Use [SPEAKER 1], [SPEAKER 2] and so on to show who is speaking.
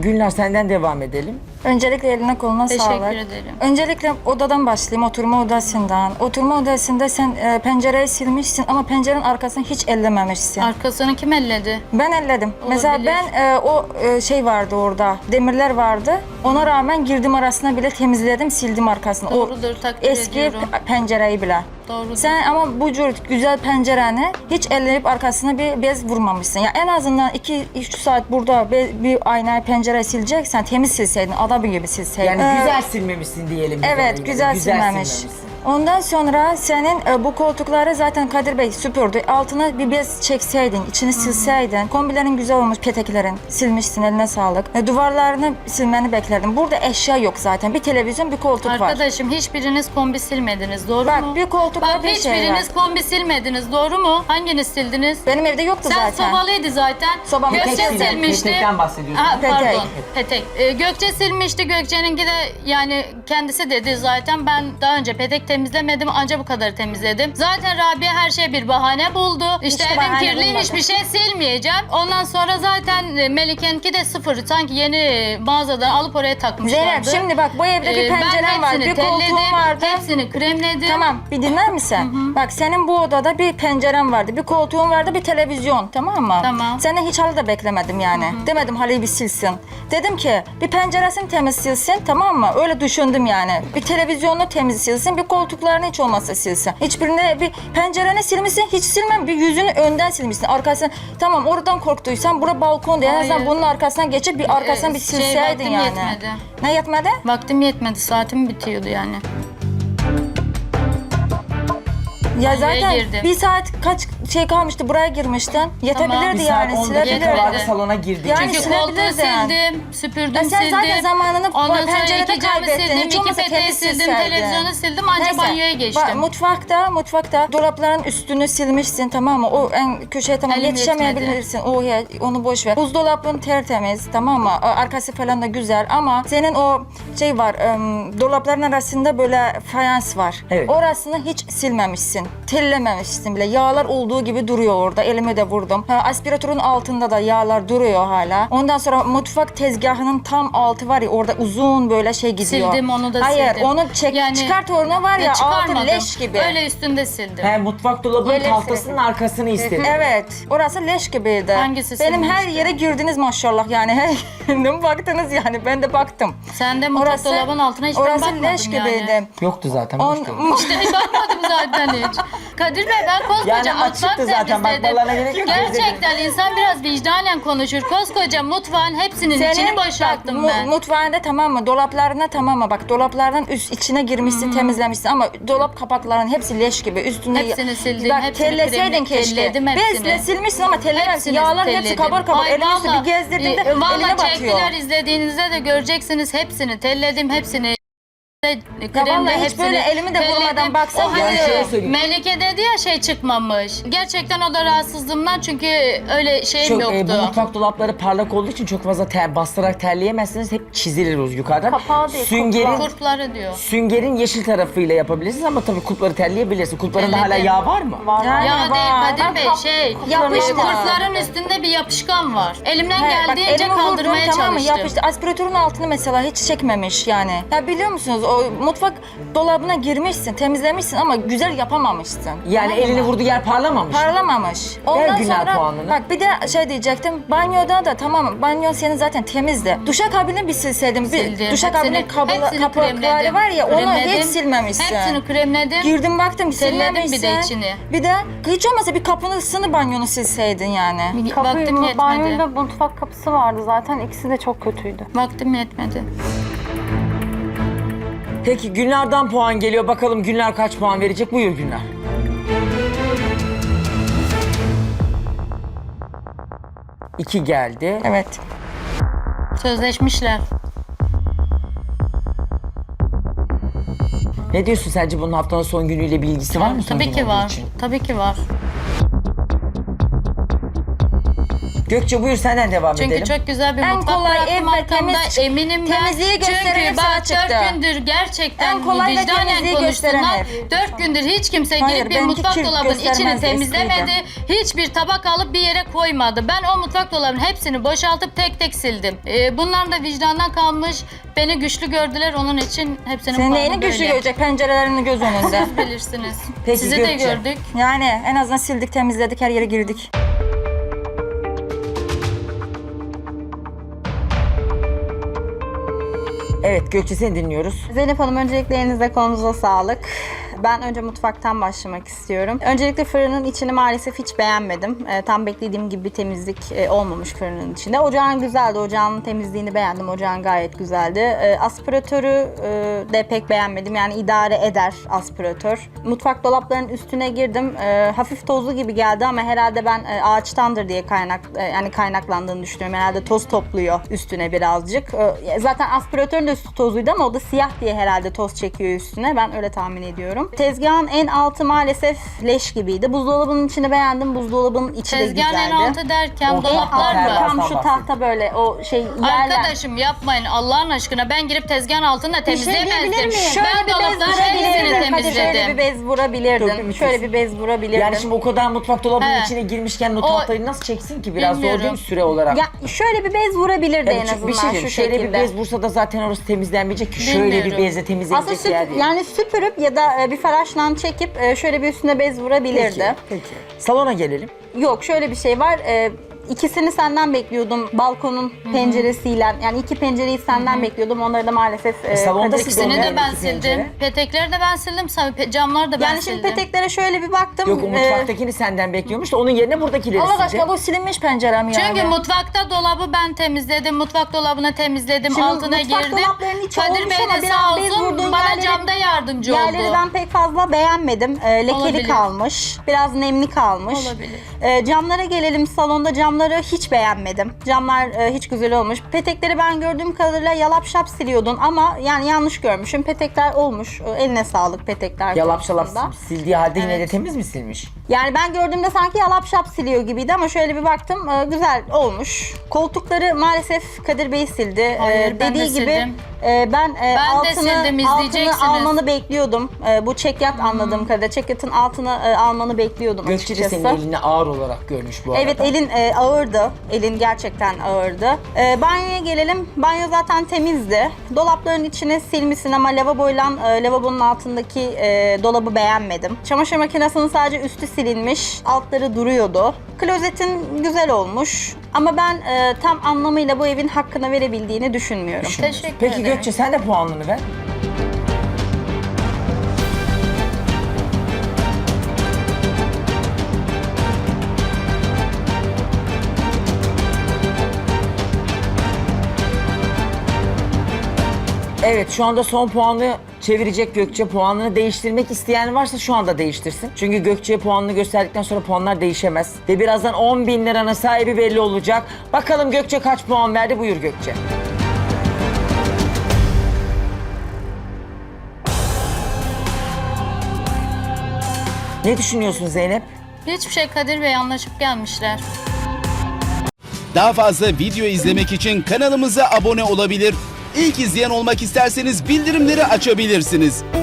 [SPEAKER 1] Gülnar senden devam edelim.
[SPEAKER 2] Öncelikle eline koluna sağlık.
[SPEAKER 3] Teşekkür ederim.
[SPEAKER 2] Öncelikle odadan başlayayım, oturma odasından. Oturma odasında sen pencereyi silmişsin ama pencerenin arkasını hiç ellememişsin.
[SPEAKER 3] Arkasını kim elledi?
[SPEAKER 2] Ben elledim. Mesela
[SPEAKER 3] Olabilir.
[SPEAKER 2] ben o şey vardı orada, demirler vardı. Ona rağmen girdim arasına bile temizledim, sildim arkasını.
[SPEAKER 3] Doğrudur,
[SPEAKER 2] O
[SPEAKER 3] takdir
[SPEAKER 2] eski
[SPEAKER 3] ediyorum.
[SPEAKER 2] pencereyi bile.
[SPEAKER 3] Doğrudur.
[SPEAKER 2] Sen ama bu cür güzel pencereni hiç elleyip arkasına bir bez vurmamışsın. Ya en azından 2-3 saat burada bir aynayı pencereyi sileceksen temiz silseydin, adam gibi silseydin.
[SPEAKER 1] Yani güzel silmemişsin diyelim. biz
[SPEAKER 2] Evet,
[SPEAKER 1] ona
[SPEAKER 2] güzel
[SPEAKER 1] göre.
[SPEAKER 2] silmemiş.
[SPEAKER 1] silmemişsin.
[SPEAKER 2] Ondan sonra senin bu koltukları zaten Kadir Bey süpürdü. Altına bir bez çekseydin, içini silseydin. Kombilerin güzel olmuş, peteklerin. Silmişsin, eline sağlık. Duvarlarını silmeni beklerdim. Burada eşya yok zaten. Bir televizyon, bir koltuk var.
[SPEAKER 3] Arkadaşım hiçbiriniz kombi silmediniz, doğru
[SPEAKER 2] Bak
[SPEAKER 3] mu?
[SPEAKER 2] bir koltuk var,
[SPEAKER 3] Bak
[SPEAKER 2] bir şey var.
[SPEAKER 3] hiçbiriniz kombi silmediniz, doğru mu? Hanginiz sildiniz?
[SPEAKER 2] Benim evde yoktu
[SPEAKER 3] Sen
[SPEAKER 2] zaten.
[SPEAKER 3] sobalıydı zaten.
[SPEAKER 2] Sobam
[SPEAKER 3] Gökçe
[SPEAKER 2] petek
[SPEAKER 1] silen,
[SPEAKER 3] silmişti.
[SPEAKER 1] petekten bahsediyorsun.
[SPEAKER 3] Aha,
[SPEAKER 2] Petek.
[SPEAKER 3] pardon, petek. Gökçe silmişti. Gökçe'ninki de yani kendisi dedi zaten. Ben daha önce petek temizlemedim. Anca bu kadar temizledim. Zaten Rabia her şeye bir bahane buldu. İşte
[SPEAKER 2] Hiç
[SPEAKER 3] evim
[SPEAKER 2] bahane
[SPEAKER 3] kirli,
[SPEAKER 2] bulmadı.
[SPEAKER 3] hiçbir şey silmeyeceğim. Ondan sonra zaten Melike'ninki de sıfır. Sanki yeni mağazadan alıp oraya takmışlardı.
[SPEAKER 2] Zeynep şimdi bak bu evde bir pencerem var, bir koltuğum vardı.
[SPEAKER 3] Hepsini kremledim.
[SPEAKER 2] Tamam, bir dinler misin? Bak senin bu odada bir pencerem vardı, bir koltuğun vardı, bir televizyon, tamam mı?
[SPEAKER 3] Tamam.
[SPEAKER 2] Senden hiç halı da beklemedim yani. Demedim halıyı bir silsin. Dedim ki bir penceresini temiz silsin, tamam mı? Öyle düşündüm yani. Bir televizyonunu temiz silsin, bir koltuklarını hiç olmazsa silsin. Hiçbirine bir pencereni silmişsin, hiç silmem. Bir yüzünü önden silmişsin, arkasını. Tamam oradan korktuysan bura balkon diye en azından
[SPEAKER 3] Hayır.
[SPEAKER 2] bunun arkasından geçip bir arkasından bir silseydin
[SPEAKER 3] vaktim
[SPEAKER 2] yani.
[SPEAKER 3] yetmedi.
[SPEAKER 2] Ne yetmedi?
[SPEAKER 3] Vaktim yetmedi. Saatim bitiyordu yani.
[SPEAKER 2] Ya
[SPEAKER 3] Banyoya
[SPEAKER 2] zaten
[SPEAKER 3] girdim.
[SPEAKER 2] bir saat kaç şey kalmıştı buraya girmiştin. Yetebilirdi
[SPEAKER 1] Bir
[SPEAKER 2] yani
[SPEAKER 1] saat 10 dakika
[SPEAKER 2] silebilirdin.
[SPEAKER 1] vardı salona girdik.
[SPEAKER 2] Yani
[SPEAKER 3] Çünkü
[SPEAKER 2] silebilirdin.
[SPEAKER 3] koltuğu sildim, süpürdüm,
[SPEAKER 2] Ya sen
[SPEAKER 3] sildim.
[SPEAKER 2] zaten zamanını
[SPEAKER 3] Ondan sonra
[SPEAKER 2] pencerede
[SPEAKER 3] iki camı
[SPEAKER 2] kaybettin.
[SPEAKER 3] sildim,
[SPEAKER 2] Hiç
[SPEAKER 3] iki
[SPEAKER 2] olmazsa
[SPEAKER 3] peteği
[SPEAKER 2] temiz
[SPEAKER 3] sildim,
[SPEAKER 2] silseydin.
[SPEAKER 3] televizyonu sildim, ancak
[SPEAKER 2] Neyse,
[SPEAKER 3] banyoya geçtim.
[SPEAKER 2] Mutfakta dolapların üstünü silmişsin, tamam mı? O en köşeye tamam
[SPEAKER 3] Elim
[SPEAKER 2] yetişemeyebilirsin. Onu boş ver. Buzdolabın tertemiz, tamam mı? Arkası falan da güzel ama senin o şey var, dolapların arasında böyle fayans var.
[SPEAKER 1] Evet.
[SPEAKER 2] Orasını hiç silmemişsin. Tellememişsin bile. Yağlar olduğu gibi duruyor orada. Elimi de vurdum. Aspiratörün altında da yağlar duruyor hala. Ondan sonra mutfak tezgahının tam altı var ya, orada uzun böyle şey gidiyor.
[SPEAKER 3] Sildim, onu da
[SPEAKER 2] Hayır,
[SPEAKER 3] sildim.
[SPEAKER 2] onu
[SPEAKER 3] Yani-
[SPEAKER 2] çıkart oruna var ya, altı
[SPEAKER 3] çıkarmadım.
[SPEAKER 2] leş gibi.
[SPEAKER 3] Öyle üstünde sildim.
[SPEAKER 1] He, mutfak dolabının
[SPEAKER 2] Yerleri
[SPEAKER 1] tahtasının
[SPEAKER 2] sildim.
[SPEAKER 1] arkasını istedim.
[SPEAKER 2] Evet, orası leş gibiydi.
[SPEAKER 3] Hangisi
[SPEAKER 2] Benim her
[SPEAKER 3] silmişti?
[SPEAKER 2] yere girdiniz maşallah yani. Her yerine baktınız yani, ben de baktım.
[SPEAKER 3] Sen de mutfak dolabının altına hiç ben
[SPEAKER 2] orası
[SPEAKER 3] bakmadım
[SPEAKER 2] leş
[SPEAKER 3] yani.
[SPEAKER 2] gibiydi.
[SPEAKER 1] Yoktu zaten.
[SPEAKER 2] On,
[SPEAKER 1] boştu.
[SPEAKER 3] İşte bakmadım zaten hiç. Kadir Bey ben koskoca
[SPEAKER 1] Yani
[SPEAKER 3] mutfak
[SPEAKER 1] açıktı zaten,
[SPEAKER 3] temizledim.
[SPEAKER 1] bakmalarına gerek yok.
[SPEAKER 3] Gerçekten insan biraz vicdanen konuşur. Koskoca mutfağın hepsinin içini boşalttım
[SPEAKER 2] bak,
[SPEAKER 3] ben.
[SPEAKER 2] Mutfağında tamam mı? Dolaplarına tamam mı? Bak dolaplardan üst içine girmişsin, temizlemişsin ama dolap kapaklarının hepsi leş gibi. Üstünde
[SPEAKER 3] Hepsini sildim,
[SPEAKER 2] Bak
[SPEAKER 3] hepsini
[SPEAKER 2] telleseydin
[SPEAKER 3] kremle-
[SPEAKER 2] keşke.
[SPEAKER 3] telledim hepsini.
[SPEAKER 2] Bezle silmişsin ama tellememişsin.
[SPEAKER 3] Hepsini
[SPEAKER 2] Yağların hepsi
[SPEAKER 3] telledim.
[SPEAKER 2] kabar kabar.
[SPEAKER 3] Ay,
[SPEAKER 2] Elini üstü bir
[SPEAKER 3] vallahi,
[SPEAKER 2] gezdirdiğinde eline
[SPEAKER 3] vallahi
[SPEAKER 2] batıyor.
[SPEAKER 3] çektiler, izlediğinizde de göreceksiniz hepsini. Telledim hepsini. Kremle
[SPEAKER 2] vallahi hiç
[SPEAKER 3] hepsini
[SPEAKER 2] böyle elimi de vurmadan
[SPEAKER 3] telledim.
[SPEAKER 2] baksana.
[SPEAKER 3] O hani
[SPEAKER 1] Yani şöyle söyleyeyim.
[SPEAKER 3] Melike dedi ya şey çıkmamış. Gerçekten o da rahatsızlığımdan, çünkü öyle şeyim
[SPEAKER 1] Çok,
[SPEAKER 3] yoktu.
[SPEAKER 1] bu mutfak dolapları parlak olduğu için çok fazla bastırarak terleyemezsiniz. Hep çizilir o yukarıdan.
[SPEAKER 2] Kapağı değil,
[SPEAKER 1] Süngerin,
[SPEAKER 3] Kurtları diyor.
[SPEAKER 1] süngerin yeşil tarafıyla yapabilirsiniz ama tabii kulpları terleyebilirsiniz. Kulplarında hala
[SPEAKER 3] Terledim.
[SPEAKER 1] yağ var mı?
[SPEAKER 2] Yani
[SPEAKER 3] Ya
[SPEAKER 2] var.
[SPEAKER 3] değil Kadir Bey, şey
[SPEAKER 2] Yapıştı.
[SPEAKER 3] kurtların üstünde bir yapışkan var. Elimden
[SPEAKER 2] He, bak,
[SPEAKER 3] geldiğince
[SPEAKER 2] elimi
[SPEAKER 3] kaldırmaya
[SPEAKER 2] vurdum, tamam mı?
[SPEAKER 3] çalıştım.
[SPEAKER 2] Yapıştı. Aspiratörün altını mesela hiç çekmemiş yani. Ya biliyor musunuz o mutfak dolabına girmişsin, temizlemişsin ama güzel yapamamışsın.
[SPEAKER 1] Yani
[SPEAKER 2] Tamam
[SPEAKER 1] elini
[SPEAKER 2] mı?
[SPEAKER 1] vurduğu yer parlamamış.
[SPEAKER 2] Parlamamış.
[SPEAKER 1] Güner
[SPEAKER 2] sonra
[SPEAKER 1] puanını.
[SPEAKER 2] bak bir de şey diyecektim. Banyoda da tamam, banyon senin zaten temizdi. Duşakabini bir silseydin.
[SPEAKER 3] Sildim.
[SPEAKER 2] Bir duşakabinin
[SPEAKER 3] Hepsini
[SPEAKER 2] kapakları
[SPEAKER 3] kremledim.
[SPEAKER 2] var ya, onu
[SPEAKER 3] Kremledim.
[SPEAKER 2] hiç silmemişsin.
[SPEAKER 3] Hepsini kremledim.
[SPEAKER 2] Girdim baktım
[SPEAKER 3] Telledim bir de
[SPEAKER 2] silmemişsin.
[SPEAKER 3] içini.
[SPEAKER 2] Bir de hiç olmasa bir kapısını banyonu silseydin yani.
[SPEAKER 3] Vaktim yetmedi.
[SPEAKER 4] Banyonda mutfak kapısı vardı zaten. İkisi de çok kötüydü.
[SPEAKER 3] Vaktim yetmedi.
[SPEAKER 1] Peki Gülnar'dan puan geliyor. Bakalım Gülnar kaç puan verecek? Buyur Gülnar. İki geldi.
[SPEAKER 2] Evet.
[SPEAKER 3] Sözleşmişler.
[SPEAKER 1] Ne diyorsun, sence bunun haftanın son günüyle bir ilgisi var mı? Son
[SPEAKER 3] Tabii
[SPEAKER 1] gün
[SPEAKER 3] ki
[SPEAKER 1] olduğu
[SPEAKER 3] var.
[SPEAKER 1] için?
[SPEAKER 3] Tabii ki var.
[SPEAKER 1] Gökçe buyur senden devam
[SPEAKER 3] Çünkü
[SPEAKER 1] edelim.
[SPEAKER 3] çok güzel bir
[SPEAKER 2] En
[SPEAKER 3] mutfak
[SPEAKER 2] kolay
[SPEAKER 3] bıraktım
[SPEAKER 2] ev ve
[SPEAKER 3] arkamda,
[SPEAKER 2] temiz-
[SPEAKER 3] eminim ben.
[SPEAKER 2] temizliği gösteren
[SPEAKER 3] Çünkü
[SPEAKER 2] ev sana
[SPEAKER 3] bak
[SPEAKER 2] çıktı.
[SPEAKER 3] 4 gündür gerçekten
[SPEAKER 2] En kolay ve
[SPEAKER 3] vicdanen
[SPEAKER 2] temizliği gösteren
[SPEAKER 3] konuşsunlar.
[SPEAKER 2] ev.
[SPEAKER 3] 4 gündür hiç kimse
[SPEAKER 2] Hayır,
[SPEAKER 3] girip bir
[SPEAKER 2] benimki
[SPEAKER 3] mutfak
[SPEAKER 2] kir
[SPEAKER 3] dolabının içini
[SPEAKER 2] göstermez,
[SPEAKER 3] temizlemedi. Hiçbir tabak alıp bir yere koymadı. Ben o mutfak dolabının hepsini boşaltıp tek tek sildim. Bunlar da vicdandan kalmış. Beni güçlü gördüler, onun için hepsinin
[SPEAKER 2] Senin
[SPEAKER 3] puanı
[SPEAKER 2] neyini güçlü
[SPEAKER 3] böyle.
[SPEAKER 2] görecek? Pencerelerini göz önünde.
[SPEAKER 3] Siz bilirsiniz.
[SPEAKER 1] Peki,
[SPEAKER 3] Sizi de
[SPEAKER 1] Gökçe.
[SPEAKER 3] gördük.
[SPEAKER 2] Yani en azından sildik, temizledik, her yere girdik.
[SPEAKER 1] Evet Gökçe seni dinliyoruz.
[SPEAKER 4] Zeynep Hanım, öncelikle elinize kolunuza sağlık. Ben önce mutfaktan başlamak istiyorum. Öncelikle fırının içini maalesef hiç beğenmedim. Tam beklediğim gibi bir temizlik olmamış fırının içinde. Ocağın güzeldi, ocağın temizliğini beğendim. Ocağın gayet güzeldi. Aspiratörü de pek beğenmedim. Yani idare eder aspiratör. Mutfak dolaplarının üstüne girdim. Hafif tozlu gibi geldi ama herhalde ben ağaçtandır diye kaynaklandığını düşünüyorum. Herhalde toz topluyor üstüne birazcık. Zaten aspiratörün de üstü tozluydu ama o da siyah diye herhalde toz çekiyor üstüne. Ben öyle tahmin ediyorum. Tezgahın en altı maalesef leş gibiydi. Buzdolabının içini beğendim. Buzdolabının içi de güzeldi.
[SPEAKER 3] Tezgahın en altı derken
[SPEAKER 1] O
[SPEAKER 3] dolaplar
[SPEAKER 1] en
[SPEAKER 3] mı?
[SPEAKER 1] altı.
[SPEAKER 4] Tam şu tahta böyle o şey yerler.
[SPEAKER 3] Arkadaşım yapmayın Allah'ın aşkına, ben girip tezgahın altını da
[SPEAKER 4] Bir şey diyebilir
[SPEAKER 3] temizleyemezdim.
[SPEAKER 4] miyim?
[SPEAKER 3] Ben dolapların hepsini
[SPEAKER 4] Hadi şöyle bir
[SPEAKER 3] temizledim.
[SPEAKER 4] bez vurabilirdin.
[SPEAKER 1] Dökülmüş
[SPEAKER 4] Şöyle bir bez vurabilirdin.
[SPEAKER 1] Yani şimdi o kadar mutfak dolabının
[SPEAKER 3] He.
[SPEAKER 1] içine girmişken o
[SPEAKER 3] O-
[SPEAKER 1] tahtayı nasıl çeksin ki? Biraz zor
[SPEAKER 3] Bilmiyorum.
[SPEAKER 1] değil mi süre olarak?
[SPEAKER 4] Ya şöyle bir bez vurabilirdi
[SPEAKER 1] Yani
[SPEAKER 4] en
[SPEAKER 1] çünkü
[SPEAKER 4] azından
[SPEAKER 1] bir şey diyeyim,
[SPEAKER 4] şu
[SPEAKER 1] şöyle
[SPEAKER 4] şekilde.
[SPEAKER 1] bir bez vursa da zaten orası temizlenmeyecek ki. Şöyle bir
[SPEAKER 3] Bilmiyorum.
[SPEAKER 1] bezle temizlenecek
[SPEAKER 4] Aslında
[SPEAKER 1] yer değil.
[SPEAKER 4] yani süpürüp ya da bir faraşla çekip şöyle bir üstüne bez vurabilirdi.
[SPEAKER 1] Peki. Salona gelelim.
[SPEAKER 4] Yok, şöyle bir şey var. İkisini senden bekliyordum balkonun penceresiyle. Yani iki pencereyi senden bekliyordum. Onları da maalesef
[SPEAKER 1] salonda
[SPEAKER 4] Kadir-
[SPEAKER 1] siz
[SPEAKER 3] İkisini
[SPEAKER 1] Dolabı
[SPEAKER 3] de ben
[SPEAKER 1] iki pencere.
[SPEAKER 3] sildim. Petekleri de ben sildim. Camları da ben
[SPEAKER 4] Yani
[SPEAKER 3] sildim.
[SPEAKER 4] şimdi peteklere şöyle bir baktım.
[SPEAKER 1] Yok o mutfaktakini senden bekliyormuş da onun yerine buradakileri
[SPEAKER 2] Allah
[SPEAKER 1] silecek.
[SPEAKER 2] aşkına bu silinmiş pencerem yani.
[SPEAKER 3] Çünkü mutfakta dolabı ben temizledim. Mutfak dolabını temizledim.
[SPEAKER 4] Şimdi
[SPEAKER 3] altına
[SPEAKER 4] mutfak
[SPEAKER 3] girdim.
[SPEAKER 4] dolaplarının içi
[SPEAKER 3] Kadir
[SPEAKER 4] olmuş
[SPEAKER 3] Bey
[SPEAKER 4] ama
[SPEAKER 3] de
[SPEAKER 4] biraz
[SPEAKER 3] sağ
[SPEAKER 4] bez
[SPEAKER 3] olsun
[SPEAKER 4] vurduğun
[SPEAKER 3] bana
[SPEAKER 4] yerleri-
[SPEAKER 3] camda yardımcı
[SPEAKER 4] Yerleri
[SPEAKER 3] oldu.
[SPEAKER 4] ben pek fazla beğenmedim. Lekeli
[SPEAKER 3] Olabilir.
[SPEAKER 4] kalmış. Biraz nemli kalmış.
[SPEAKER 3] Olabilir.
[SPEAKER 4] Camlara gelelim. Salonda camları hiç beğenmedim. Camlar hiç güzel olmuş. Petekleri ben gördüğüm kadarıyla yalap şap siliyordun ama yani yanlış görmüşüm. Petekler olmuş. Eline sağlık petekler
[SPEAKER 1] Yalap şalap
[SPEAKER 4] konusunda.
[SPEAKER 1] sildiği halde yine de temiz mi silmiş?
[SPEAKER 4] Yani ben gördüğümde sanki yalap şap siliyor gibiydi ama şöyle bir baktım güzel olmuş. Koltukları maalesef Kadir Bey sildi.
[SPEAKER 3] Hayır, ben de
[SPEAKER 4] Dediği gibi
[SPEAKER 3] sildim.
[SPEAKER 4] ben
[SPEAKER 3] de
[SPEAKER 4] altını,
[SPEAKER 3] sildim, izleyeceksiniz.
[SPEAKER 4] almanı bekliyordum. Bu çekyat anladığım kadarıyla. Çekyatın altını almanı bekliyordum
[SPEAKER 1] Gökçe de
[SPEAKER 4] açıkçası.
[SPEAKER 1] senin elini ağır olarak görmüş bu arada.
[SPEAKER 4] Evet, elin ağırdı. Elin gerçekten ağırdı. Banyoya gelelim. Banyo zaten temizdi. Dolapların içine silmişsin ama lavaboyla lavabonun altındaki dolabı beğenmedim. Çamaşır makinesinin sadece üstü silinmiş. Altları duruyordu. Klozetin güzel olmuş. Ama ben tam anlamıyla bu evin hakkını verebildiğini düşünmüyorum.
[SPEAKER 3] Teşekkür
[SPEAKER 1] Peki
[SPEAKER 3] ederim.
[SPEAKER 1] Gökçe sen de puanını ver. Evet şu anda son puanı çevirecek Gökçe. Puanını değiştirmek isteyen varsa şu anda değiştirsin. Çünkü Gökçe'ye puanını gösterdikten sonra puanlar değişemez. Ve birazdan 10.000 liranın sahibi belli olacak. Bakalım Gökçe kaç puan verdi? Buyur Gökçe. Ne düşünüyorsun Zeynep?
[SPEAKER 3] Hiçbir şey, Kadir Bey anlaşıp gelmişler.
[SPEAKER 5] Daha fazla video izlemek için kanalımıza abone olabilir. İlk izleyen olmak isterseniz bildirimleri açabilirsiniz.